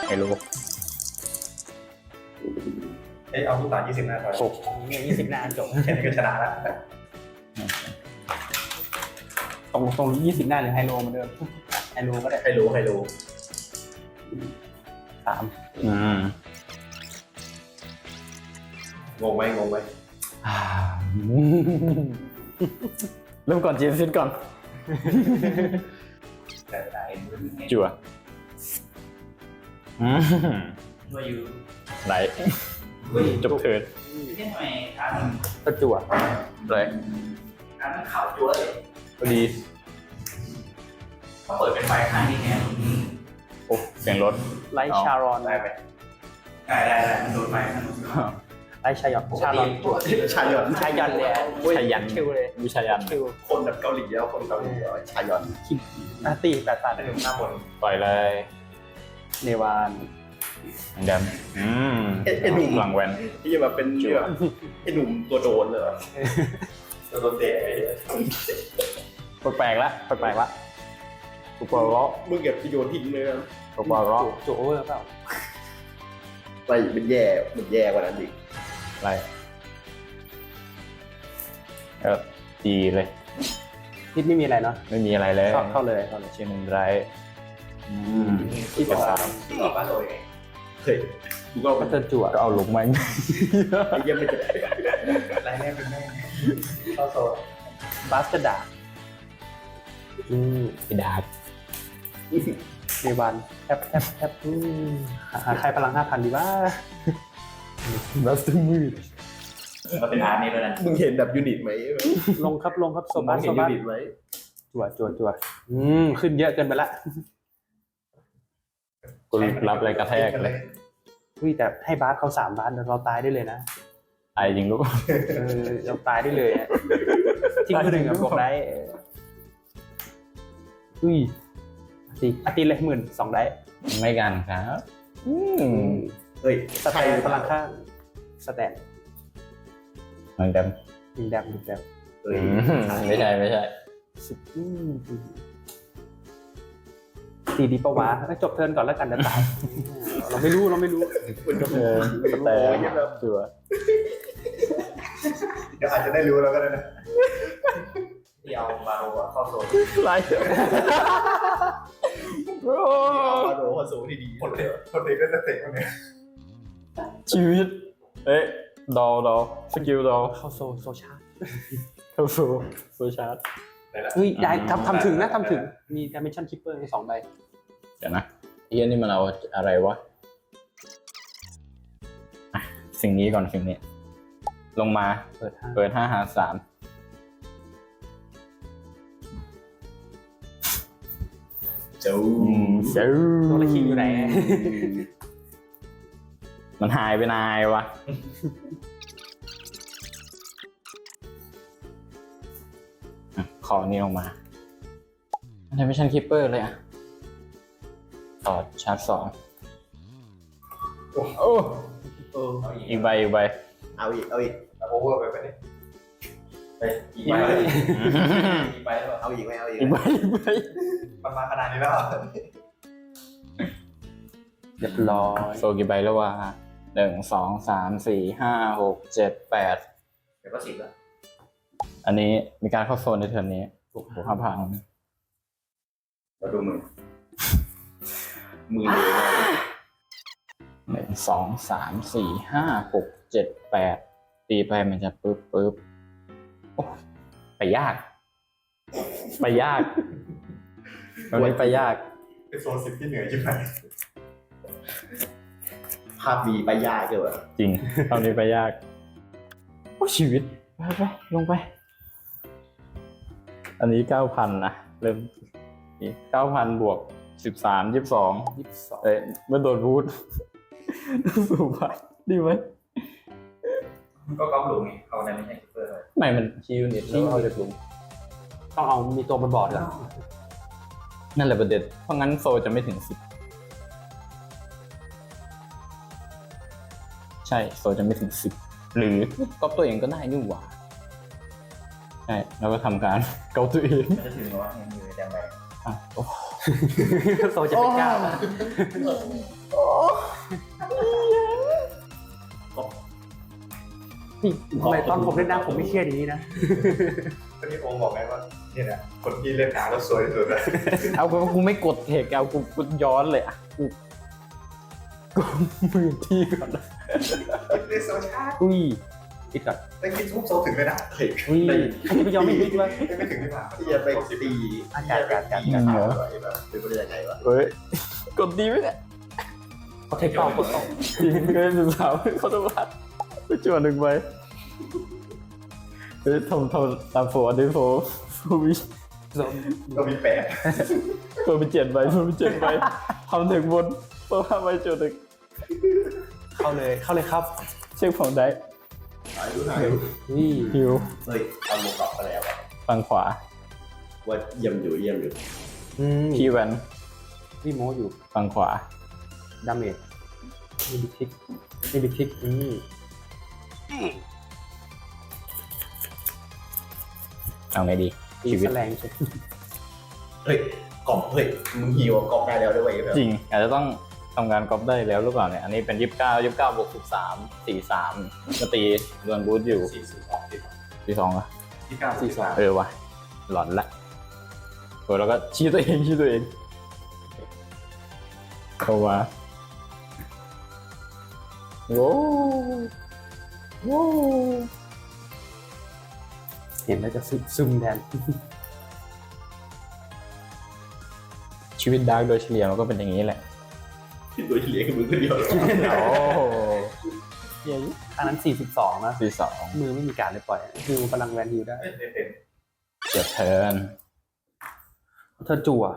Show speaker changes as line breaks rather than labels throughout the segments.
ไฮโล
เอาผู้ต่าง20 หน้าถอย
20 หน้าจบ
แค่นี้ก็ชนะแล้ว
ตรง20 หน้าหรือไฮโลเหมือนเดิมไฮโลก็ได้
ใครรู้
3
งงไหม
เริ่มก่อนจีนซินก่อน
แต่ไหน
จั่ว
ช่วยอยู่
ไหลจบเทิร์น
ทำไมครับ
ก็จั่ว
ไร
อันนั้นขาวจั๊วเลย
พอดี
เขาเปิดเป็นไฟข้างนี้ไง
โอ้เสียงรถ
ไลท์ชารอน
ได้ไหมได้มันโดนไฟข้างนู้น
ไลท์ชายอนชารอนจั่ว
ชายอน
ชายอนเลย
ชายัน
คิวเลย
วิชายัน
คิว
คนแบบเกาหลีแล้วคนเกาหลีชายอน
ตี8 บาท
หน้าบน
ปล่อยเลย
เนวาน
เดมหลังแวน
ที่จะแบบเป็นแบบไอ้หนุ่มตัวโดนเลยตัวโดนเตะ
แปลกละแปลกละกูปล่อยล้อ
มึงเก็บที่โยนทิ้งเลย
กูปล่อยล้อ
จั่วโอเวอร์เปล่า
ไปมันแย่กว่านั้นอีก
อะไรดีเลย
พิษไม่มีอะไรเนาะ
ไม่มีอะไรเลย
เข้าเลย
เชียร์หนึ่งไร
ที่เป็น3
ต่อมาเลยเฮ้ยกูก็
ก็เติมจั่ว
ก็เอาลงมา
ไอ้เยี่ยมไม่จะรายแรกเป็นแม่เข้าโซ่
บาสจะด่า
ไอ้ดาบ
เนวานแทบหาใครพลัง 5,000 ดีว่า
บัสต์มืด
มันเป็นอาร์ตนี้ด้วยนะมึงเห็นแบบยูนิตไหม
ลงครับโซ
มึ
บาง ส
เห็นยูนิตไหม
จั่วขึ้นเยอะเกินไปละ
กูรับอะไรกระแทกเลย
แต่ให้บาสเขา3 บาสเราตายได้เลยนะ
ตายจริงลูก
เราตายได้เลยทิ้ง1กับบอกได้ตีเลย12,000ได้
ไม่กันครับ
เฮ้ย
สแตนพลังข้างสแตน
เหมือนเดิม
มีแดม
เฮ้ย
ไม่ใช่
ตีดีปะวะจบเทิร์นก่อนแล้วกันจะตายเราไม่รู้
แต่จั่ว
เดี๋ยวอาจจะได้รู้แล้วก็ได้นะที่เอาบาโรเข้าโซ่
ไร
บาโรเข้าโซ่ที่ดีคนเด็กก็จะเตะคนนี้
ชีวิตดอสกิลดอ
เข้าโซชาร์
เข้าสู่โซชาร์ด
ได้ทำถึงมี Dimension Keeper 2 ใบ
เดี๋ยวนะเฮียนี่มันเอาอะไรวะสิ่งนี้ก่อนสิ่งนี้ ลงมา
เปิด
เปิด5 หา 3
เจ้า
ตัวละคิงอยู่ไหน
มันหายไปนายวะขอนี่ลงมาทำไมชันคิปเปอร์เลยอ่ะถอดชาร์จ2โอ้อีกใบ
เอาอีกเอาโอเวอร์ไปนี่ไปอีกใบอีกใบแล้วเอาอีกไหมเอาอีก
อีกใบ
มันมาขนาดนี้แล้ว
เรียบร้อย
โซกี่ใบแล้ววะ1 2 3 4 5 6 7 8
เดี๋ยวก็10แล้ว
อันนี้มีการเข้าโซนในเทิร์นนี้ถูกพัง
เราดูมือเลย
1 2 3 4 5 6 7 8ตีไปมันจะปึ๊บโอ้ไปยากมันนี้ไปยาก
เป็นโซน10ที่เหนือใช่ไหมภาพดีไปยากเกี่ยวกับ
จริงตอนนี้ไปยากโอ้ชีวิตไปลงไป อันนี้ 9,000 นะเริ่มนี่ 9,000 บวก 13 22เอ้ยมันโดนพูดสูงไปดีไหม
ก็ก๊อปหลุมไงเอาในไม่ใช่คิปเปอร์เลย
ไม่มันคิวนิตแล้วเอาจากหลุม
ต้องเอามีตัวบนบอร์ดก่อน
นั่นแหละประเด็นเพราะงั้นโซจะไม่ถึง 10ใช่โซจะไม่ถึง 10หรือก๊อปตัวเองก็ได้นี่หว่าใช่แล้วก็ทำการเกาตัวเอง
จะถึงว่ามือแดงไป
อ่ะโอ้
โซจะเป็น9 ทำไมตอนผมเล่นน้ำผมไม่เครียดอย่างนี้นะ
ก็ที่โอมบอกไงว่าเนี่ยนะคนที่เล่นน้ำแล้วสวยที่สุดเลย
เอากูไม่กดเทคเอากูย้อนเลยอ่ะกูมือที่ก่อน
เล่นโซชาร์
อุ้ยคิดก่อน
ได้คิดทุบโซถึงเลยนะเฮ้ย
อุ้ยใครจะไปยอมไม่คิดวะ
ไม่ถึงที่ผ่าน
ที่จะไปตี
อากาศอากาศ
ตีขาดอะไรแบบเป็นไปได้ยังไงวะ
เฮ้ยกดดีไหมเนี่ย
เขาเทคต่อกดต่อ
จริงเกิน13เขาต้องรัดไปจวนหนึ่งไปเฮ้ยทำตามโฟอันนี้โฟวิ
ก็มีแปะ
โฟเป็น7ใบโฟเป็น7ใบทำถึงบนโฟ5ใบจวนหนึ่ง
เข้าเลยครับ
เช็คของได้
หายดูหาย
อุ้ย
ฮิว
เฮ้ยเอาโมกลับไปแล้วอะ
ฝั่งขวา
ว่าเยี่ยมอยู่
คีย์แวน
พี่โมอยู่
ฝั่งขวา
ดาเมจนี่บิทิก
เอาไงดี
ตี
ชีวิต
แสลงใช่
เฮ้ยกล่องเฮ้ยมึงฮิวกล่องได้แล้วด้วยแบบ
จริงอาจจะต้องทำงานก๊อปได้แล้วหรือเปล่าเนี่ยอันนี้เป็น29บวก13 43ก็ตีโดนบูทอยู่ 42อ่ะ
ที่9
เออว่ะหลอนละเออแล้วก็ชี้ตัวเองเข้ามาโว้โว้
เห็นแล้วจะซึมแทน
ชีวิตดาร์กโดยเฉลี่ยมันก็เป็นอย่างนี้แหละ
โดยที่เลี้ยงมือคนเดียว
โอ้โหเฮีย
อันนั้น42นะ
42
มือไม่มีการเลยปล่อยฮิวพลังแวนฮิวได้
เป็น
เจ็บเทิร์น
เธอจั่ว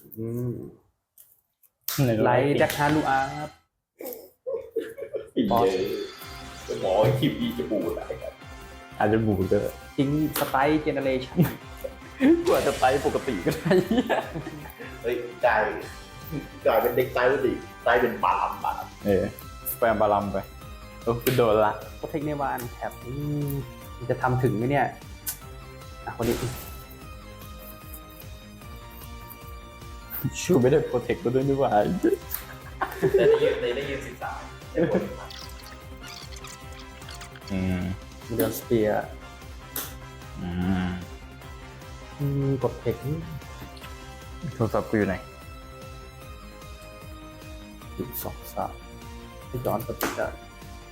ไลท์แจ็คฮารูอาร์ครับ
อีเยอะหมอคิวอีจะปูดอะไรกัน
อาจจะบูดก็
ทิ้งสไตล์เจเนเรชั่น
กว่าจะไตปกติก็ได้
เฮ้ยกลายเป็นเด็กตายดิตายเป็นบาลาม
เออแปลงบาลัมไปโอ้คือโดนละ
โปรเทคเนวานแถบมันจะทำถึงไหมเนี่ยคนนี้
ชูไม่ได้โปรเทคก็ด้วยนี่หว่า
แต่ได้ยืน13ได้ผล
อืม
เดือนสเปียร์
อืม
กดเทค
โทรศัพท์กูอยู่ไหน
2 3ที่จอนปฏิจจ์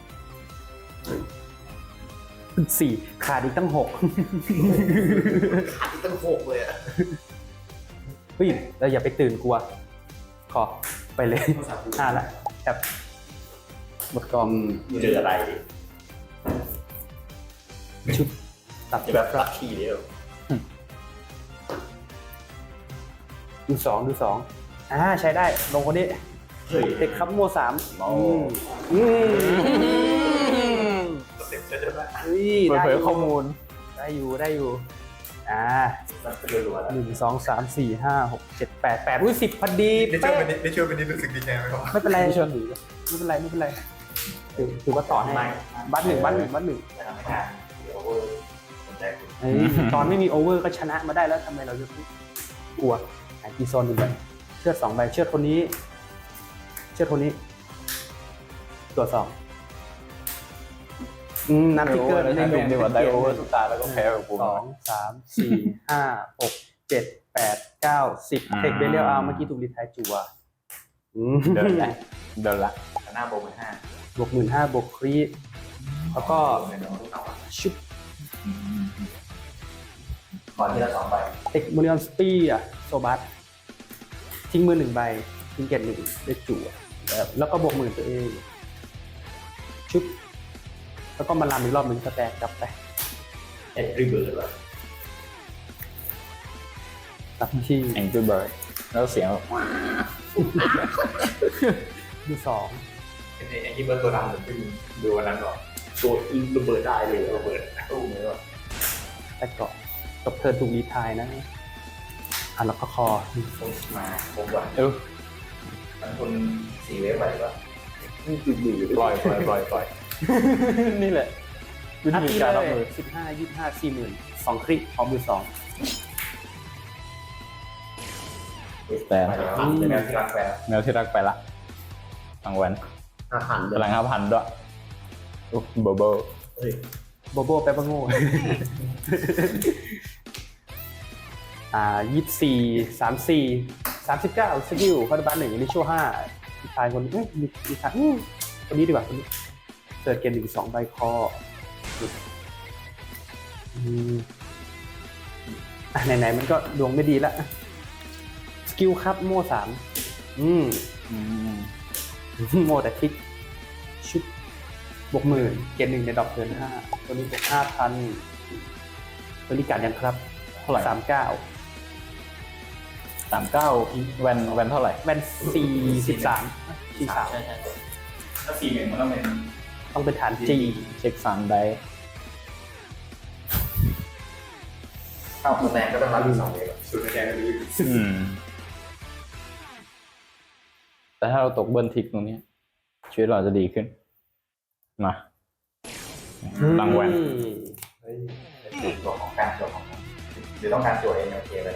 4ขาดอีกตั้ง6
ขาดตั้ง6เลยอ่ะ
เฮ้ยเราอย่าไปตื่นกลัว ขอไปเลย5ละแอบหมดกอง
เจออะไร
ชุดตัด
จะแบบลัคกี้เดียว
ดูสองใช้ได้ลงคนนี้
เฮ้ย
เด็กครับโม3
โอ้
เต็มจะได้ไหม
เปิดเผยข้อมูล
ได้อยู่
มันเป็นรัวๆแล้ว
1 2 3 4 5 6 7 8 8อุ้ย10พอดี
ได้ช่วยเป็นนิดรู้สึกดีใจไหมครับ
ไม่เป็นไรไม่เป็นไรถือว่าต่อให้บัตรหนึ่ง
จะทำให้งานเดี๋ยวสนใจคุณ
ตอนไม่มีโอเวอร์ก็ชนะมาได้แล้วทำไมเราจะกลัวกีโซน1ใบเชือด2ใบเชือดคนนี้ตัว2น้ำทิกเกอร์
ได้ดูดีกว่าได้โอเวอร์สุดตาแล้วก็แพ้กับกู
2 3 4 5 6 7 8 9 10เทคเบลเลียลอาร์เมื่อกี้ถูกรีไทายจั่ว
เดินละ
หน้าโบว์5
บวก15,000บวกครีดแล้วก็ชุบ
ขอที่ละ2ใบ
เทคโมเนียนสปีอ่ะโซบัสทิ้งมือ1ใบทิ้งเกต1ได้จั่วแล้วก็บวก10,000ตัวเองชุบแล้วก็มาลามอีกรอบนึงสแต็กกลับไป
เอ็ดริเบิร์ดว่ะ
กลับที่
แองกี้เบิร์ดแล้วเสียงแบบ
ดู2
ไอ้ที่เบิร์ดตัวดำเหมือนที่ดูวันนั้นหรอ
ตัวระเบิดได้เลยระเบิดตู้เลยว่ะ
แต่ก่อนจบเทิร์นถูกรีไทายนะแล้วก็คอ
ต้องมาผมว่า มันคน4เวฟไปว่ะ
ปล่อยนี่แหละวิ
นัด
ธี
ที่
การ
เล
รับ
ย
มือ
15 25 40,000 2คลิกพร้อมมือ2
แต่
เป็นแนวที่รักแฟร์
แนวที่รักไปละทางวัน
5,000
พลัง5,000ด้วยเบอร์
เฮ้ย
โบโบแปลว่าโง่ 24 34 39 สกิลคาร์ดบัน1ลิชั่ว5มีชายคนมีชายคนนี้ดีกว่าคนนี้เกิดเกม1 2ใบคอไหนๆมันก็ดวงไม่ดีละสกิลครับโม่3โม่แต่คลิกชุดบวก10,000เกม1ในดอกเทิร์น5ตัวนี้บวก 5,000ตัวนี้การยังครับ
เท่าไหร่
39
39แวนเท่าไหร่
แวน43
ใช่ถ้า41มันต้องเป็น
ต้องเป็นฐาน G
เช็ค3ได้
เข้าแรงก็ต้องรับอยู่2เลยสุดแรงก็ดี
แต่ถ้าเราตกเบิร์นทิกตรงนี้ชีวิตเราจะดีขึ้นมาลังแวน
เฮ้ยตัวของการตัวของหรือต้องการตัวเองโอเคไปเลย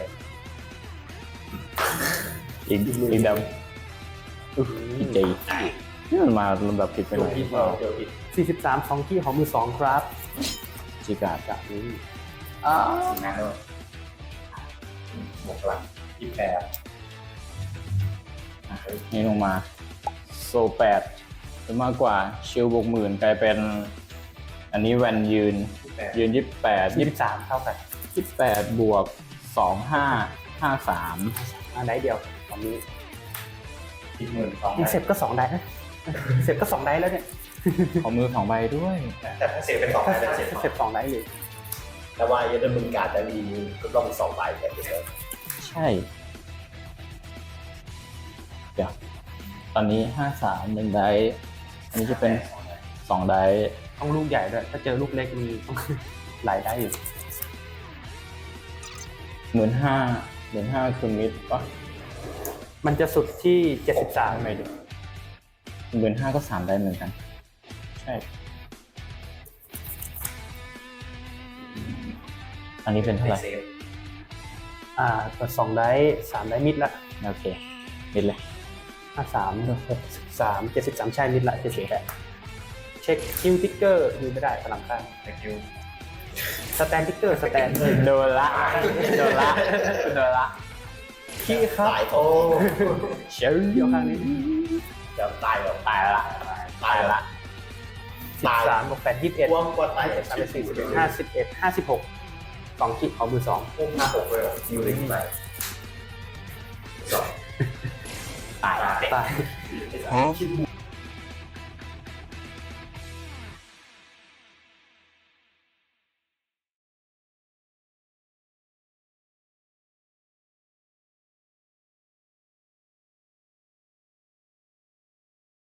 อีกดำอีกจีนี่มันมาลำดับผิดไปหน่อย
เดี๋ยวผิด
43 2ที่ของมือ2ครับ
จิกาด
จากนี้
สีน้ำด้วยบวกหลัง28
นี่ลงมาโซ8หรือมากกว่าชิลบวก10,000กลายเป็น อันนี้แวนยืน
23เท่ากัน
28บวก2553
ได้เดียวตอนนี้
12,000
เสร็จก็2ได้นะเสร็จก็2ได้แล้วเนี่ย
ขอมือ2ใบด้วย
แต่ถ้าเสร็จเป็น2ได้เสร็จ
เสร็จ2ได้เลย
แต่ว่ายังได้มึงการจะมีก็ต้อง2ใบแบบนี้
ใช่เดี๋ยวตอนนี้53 1ได้อันนี้จะเป็น2ได้
ต้องลูกใหญ่ด้วยถ้าเจอลูกเล็กมีต้อง หลายได้อยู่
15,000คือมิดปะ
มันจะสุดที่73
ไม่ดู15,000ก็3ได้เหมือนกันใช่อันนี้เป็นเท่าไหร่
เปิด2ได้3ได้มิดละ
โอเคมิดเลย
53 63 73ใช่มิดละ78เช็คคิวติ๊กเกอร์ดูไม่ได้พลังข้าง
แต่คิว
สแตนติ๊กเกอร์สแตน
โดนละ
ขี้ครับ
ตายโอ้
เชียว
เดียวข้างนี้
จะตายหรอ
ตายละ
ตายละ
13บวก8 21
ว่างว่าตาย
51 56 2ขีดของมือ2
พุ่ง56เลยคิวเลยขึ้นไป
ตาย
ตาย
2